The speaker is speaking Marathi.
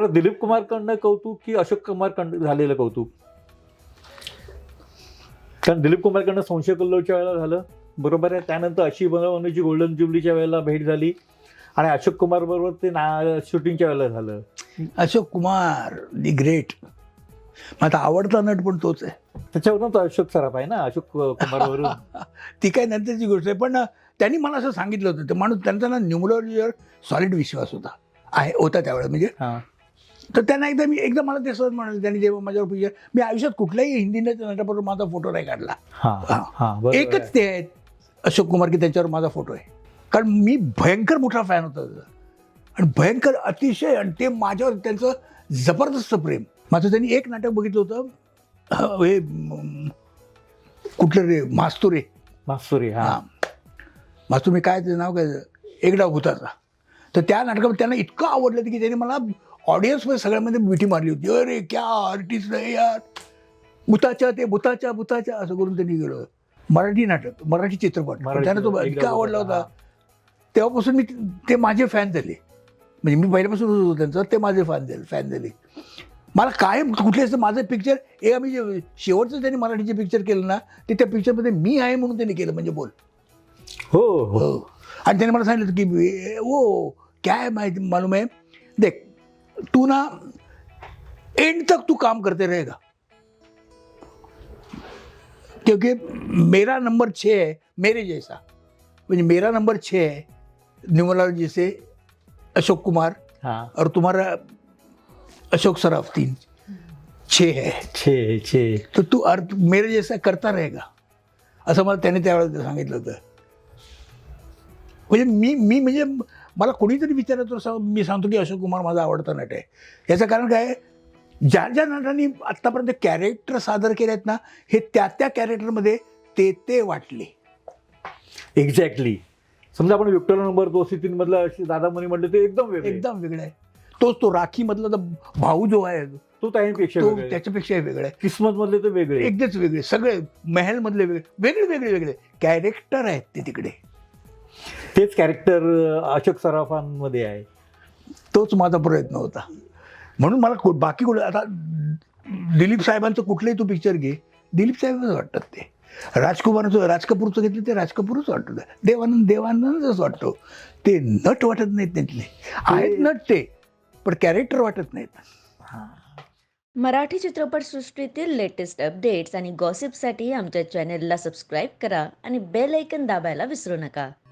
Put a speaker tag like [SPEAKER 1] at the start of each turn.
[SPEAKER 1] बरं, दिलीप कुमारकडनं कौतुक की अशोक कुमारकडनं झालेलं कौतुक? कारण दिलीप कुमारकडनं संशय कल्लोळच्या वेळेला झालं, बरोबर आहे. त्यानंतर अशी बनवण्याची गोल्डन ज्युबलीच्या वेळेला भेट झाली आणि अशोक कुमार बरोबर ते शूटिंगच्या वेळेला झालं.
[SPEAKER 2] Ashok Kumar the great. माझा आवडता नट पण तोच आहे.
[SPEAKER 1] त्याच्यावरून तो अशोक सराफ आहे ना, अशोक कुमारवरून.
[SPEAKER 2] ती काय नंतरची गोष्ट आहे, पण त्यांनी मला असं सांगितलं होतं. ते माणूस, त्यांचा ना न्यूमरॉलॉजीवर सॉलिड विश्वास होता त्यावेळेला. म्हणजे
[SPEAKER 1] हां.
[SPEAKER 2] तर त्यांना एकदा मला ते सहज म्हणाले, त्यांनी जेव्हा माझ्यावर पिक्चर, मी आयुष्यात कुठल्याही हिंदी नटाबरोबर माझा फोटो नाही काढला.
[SPEAKER 1] हां हां, बरोबर
[SPEAKER 2] एकच
[SPEAKER 1] आहे.
[SPEAKER 2] ते आहेत अशोक कुमार की त्यांच्यावर माझा फोटो आहे. कारण मी भयंकर मोठा फॅन होता त्याचा आणि भयंकर अतिशय, आणि ते माझ्यावर त्यांचं जबरदस्त प्रेम. माझं त्यांनी एक नाटक बघितलं होतं, हे कुठलं रे, मास्तुरे.
[SPEAKER 1] मास्तुरी. हां.
[SPEAKER 2] मास्तुरे, मी काय त्याचं नाव काय, एक डाव भुताचा. तर त्या नाटकामध्ये त्यांना इतकं आवडलं की त्यांनी मला ऑडियन्समध्ये सगळ्यामध्ये मिठी मारली होती. अरे क्या आर्टिस्ट आहे यार, भुताच्या असं करून त्यांनी गेलं. मराठी नाटक, मराठी चित्रपट, त्यांना तो इतका आवडला होता. तेव्हापासून मी, ते माझे फॅन झाले. म्हणजे मी पहिल्यापासून होतो त्यांचं, ते माझे फॅन झाले. मला कायम कुठले माझं पिक्चर, एक आम्ही जे शेवटचं त्यांनी मराठीचे पिक्चर केलं ना, ते त्या पिक्चरमध्ये मी आहे म्हणून त्यांनी केलं. म्हणजे बोल.
[SPEAKER 1] हो हो.
[SPEAKER 2] आणि त्याने मला सांगितलं की वो क्या है माहिती मालूम है, देख तू ना एंड तक तू काम करते रहेगा, क्योंकि मेरा नंबर 6 है मेरे जैसा. म्हणजे मेरा नंबर 6 है न्यूमरोलॉजी से अशोक कुमार,
[SPEAKER 1] हाँ.
[SPEAKER 2] और तुम्हारा अशोक सराफ 3, 6 है.
[SPEAKER 1] छे.
[SPEAKER 2] तो तू मेरे जैसा करता रहेगा, असं मला त्याने त्यावेळेला सांगितलं होतं. म्हणजे म्हणजे मला कोणीतरी विचारलं तर मी सांगतो की अशोक कुमार माझा आवडता नट आहे. याचं कारण काय, ज्या नटांनी आत्तापर्यंत कॅरेक्टर सादर केले आहेत ना, हे त्या कॅरेक्टरमध्ये ते वाटले.
[SPEAKER 1] एक्झॅक्टली. समजा आपण विक्टर नंबर 203 मधला दादा मनी म्हटलं, ते एकदम
[SPEAKER 2] वेगळं आहे. तो राखी मधला भाऊ जो आहे
[SPEAKER 1] तो त्यापेक्षा
[SPEAKER 2] त्याच्यापेक्षा वेगळा आहे.
[SPEAKER 1] किस्मत मधले तर वेगळे,
[SPEAKER 2] एकदमच वेगळे. सगळे महल मधले वेगळे कॅरेक्टर आहेत ते तिकडे.
[SPEAKER 1] तेच कॅरेक्टर अशोक सराफांमध्ये आहे.
[SPEAKER 2] तोच माझा प्रयत्न होता. म्हणून मला बाकी आता दिलीप साहेबांचं कुठलंही तू पिक्चर घे, दिलीप साहेबच वाटतात ते. राज कपूरचं घेतलं ते राज कपूरच वाटतं. देवानंदच वाटतो. ते नट वाटत नाहीत त्यातले. आहेत नट ते, पण कॅरेक्टर वाटत नाहीत.
[SPEAKER 3] मराठी चित्रपटसृष्टीतील लेटेस्ट अपडेट्स आणि गॉसिपसाठी आमच्या चॅनेलला सबस्क्राईब करा आणि बेल ऐकन दाबायला विसरू नका.